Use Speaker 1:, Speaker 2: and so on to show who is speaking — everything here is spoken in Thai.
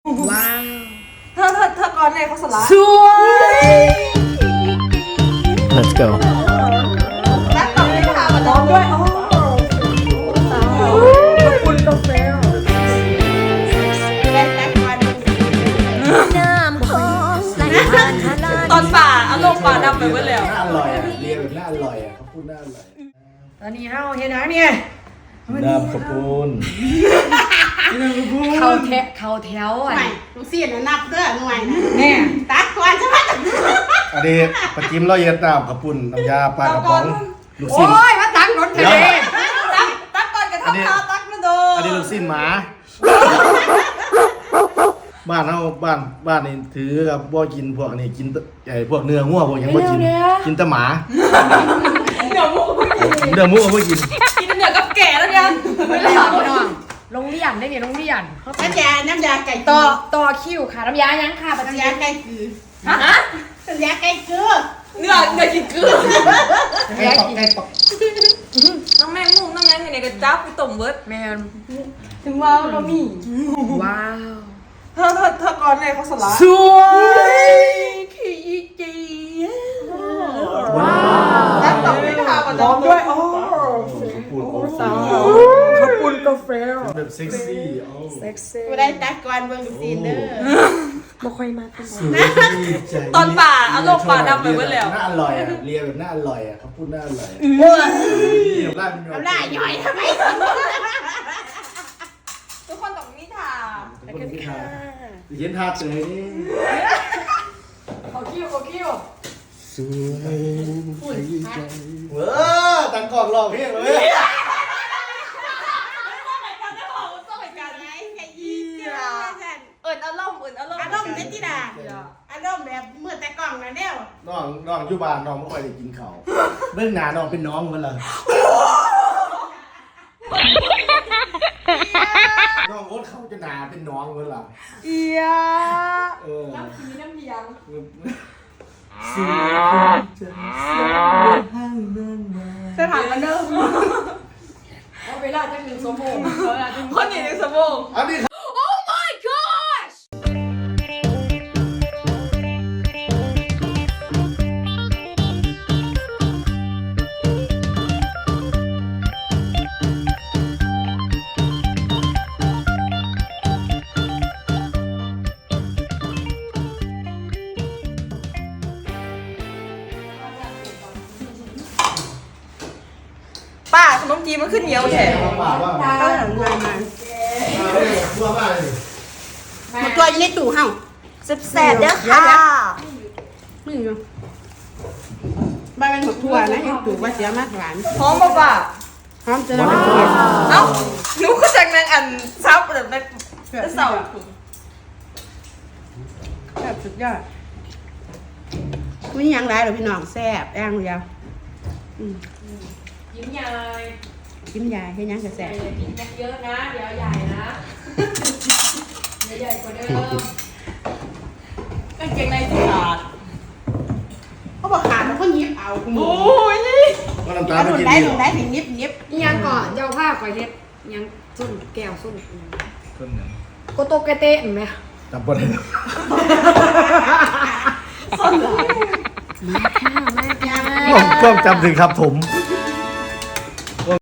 Speaker 1: ว้าว
Speaker 2: เธอก่อนเลยเขาสละ
Speaker 1: สวย
Speaker 3: Let's go
Speaker 2: แล้วต่อไปถามมาน้องด้วยขอบคุณกาแฟได้แจ็ควัน
Speaker 1: น้ำคองไหลผ่านทะเล
Speaker 2: ตอนป่าเอาลงป่าดำไปหมดแล้ว
Speaker 4: น่าอร่อยอ่ะเรียแบบน่าอร่อยอ่ะเขาพูดน่าอร่อย
Speaker 1: ตอนนี้เฮาเฮ็ดหยังเนี่ย
Speaker 4: น้ำขอบคุณ
Speaker 1: เขาแถวอ่ะ
Speaker 5: ไม่ลูกเสียนนับเด้อหน่วยนะ
Speaker 1: เนี่ย
Speaker 5: ตักวันใช่ไหม
Speaker 4: อันนี้ปลาจิ้มเราเย็นน้ำขอบคุณน้ำยาปลากระป๋องลูก
Speaker 1: โอ้
Speaker 4: ชิ้น
Speaker 1: ยมาตักรถทะเล
Speaker 2: ตักก่อนกระทำข้าวตักมาโด
Speaker 4: อันนี้ลูกชิ้นหมาบ้านเราบ้านนี่ถือกับบ่กินพวกนี้กินไอ้พวกเนื้องัวพวกยังบ่กินกินแต่หมา
Speaker 2: เดี๋ยวมุก
Speaker 4: เนื้อหมูก็บ่กิน
Speaker 2: กินเหนือกับแก่แล้วยัง
Speaker 1: ไม่ได้หรอกพี่น้องโรงเรียนได้เนี่ยโรงเรียนเขา
Speaker 5: น้ำยาไก่
Speaker 1: ต่อคิวค่ะน้ำยายังค่ะปัจ
Speaker 5: น้ำ
Speaker 1: จั
Speaker 5: ยาย ไก่คือ
Speaker 2: ฮะ
Speaker 5: น้ำยาไก่คือ
Speaker 2: เนื้อกินเกลือ
Speaker 4: ไก่ตอกไก่ตอก
Speaker 2: น้องแม่งมุกน้องยังอยู่ในกระจับไปต้มเบิร์ด
Speaker 1: แมน
Speaker 2: ถึงว่าเรามี
Speaker 1: ว้าว
Speaker 2: เธอก่อนเลยเขาสละ
Speaker 1: สวยขี้จี
Speaker 4: ว้าว
Speaker 2: แล้วต่อไปถามมาน้องด้วย
Speaker 4: ขอบคุณ
Speaker 1: ขอบคุณกาแฟ
Speaker 4: แบบเซ็กซี่โอ้
Speaker 1: เซ็กซี่
Speaker 5: กูได้ตักก่อนเบิ่งลูกเสียนเด้อ
Speaker 1: บ่ค่อยมากกัน
Speaker 4: สวยใจ
Speaker 2: ตอนป่าเอาลงป่าดำไปหมดแล้ว
Speaker 4: น่าอร่อยอ่ะเรียแบบน่าอร่อยอ่ะเขาพูดน่าอร่อย นี่น้ำลายมัน
Speaker 5: น้ำลายย่อยทำไม
Speaker 2: ทุกคนต้องมีถาม
Speaker 4: เย็นทาเฉยนี่
Speaker 1: ขอคิว
Speaker 4: สวยใจเว้อตังกล่องรอเพียงเลย
Speaker 2: เอิญอารมณ์
Speaker 5: อารมณ์เด็ดที่ดาอารมณ์แบบเมื่อแต่กล่องนะเดียว
Speaker 4: น้องอยู่บ้านน้องไม่ค่อยได้กินข้าวเบื้องหน้าน้องเป็นน้องมันเหรอน้องโอ๊ตเขาจะหนาเป็นน้องมันเหรอ
Speaker 1: เอีย
Speaker 4: เออ
Speaker 1: น้ำพีน้ำเพียง
Speaker 4: สวยใจห้างเมืองมา
Speaker 2: จะถามกันเด้อ
Speaker 1: เอาเวลาจะถึงสมอง
Speaker 2: คนหนีในสมอง
Speaker 4: อันนี้
Speaker 2: ป้าขนมจีนมันขึ้นเหนียวแท้
Speaker 4: ป่าว่า
Speaker 5: ข้าวหลังงานมา
Speaker 4: ตัวบ้านเลย
Speaker 5: มันตัวอยู่ในตู้เฮา
Speaker 2: แซ่บเด้อค่ะ
Speaker 5: มึงอยู่บ้านมันหมดทั่วนะยังตู้ว่าเสียมากหวาน
Speaker 2: หอมป่ะป้า
Speaker 5: พร้อมจะรับประทาน
Speaker 2: เอ้าหนูก็จากนางอันซับแบบแบบเสา
Speaker 5: แบบสุดยอดมีอย่างไรหรอพี่น้องแซ่บย่างเดียว
Speaker 1: ยิ้มใหญ่
Speaker 5: กินยาให้ยังจะแซ่บ
Speaker 1: กินเยอะนะ เดี๋ยวใหญ่นะเดี๋ยวใหญ่กว่าเดิม
Speaker 2: กางเกงในขาด
Speaker 5: เขาบอกขาดแล้วก็ยิบเอาคุณหมู
Speaker 2: โอ้ย
Speaker 4: ก็น้ำตา
Speaker 5: เอา
Speaker 4: ล
Speaker 5: หนุ
Speaker 4: ไม่
Speaker 5: น
Speaker 4: กิน
Speaker 5: ได้
Speaker 4: ดี
Speaker 5: หนุนได้ถึงยิบยิบ
Speaker 1: ยังก่อนเจ้าผ้าก่อยเฮ็ดยังส้นแก้วส้น
Speaker 4: ต้นหนึ่ง
Speaker 1: โกโตเกเตะเห็นไหม
Speaker 4: จำปนเลย
Speaker 1: มาค่ะมาค่ะ
Speaker 4: ก็จำถึงครับผม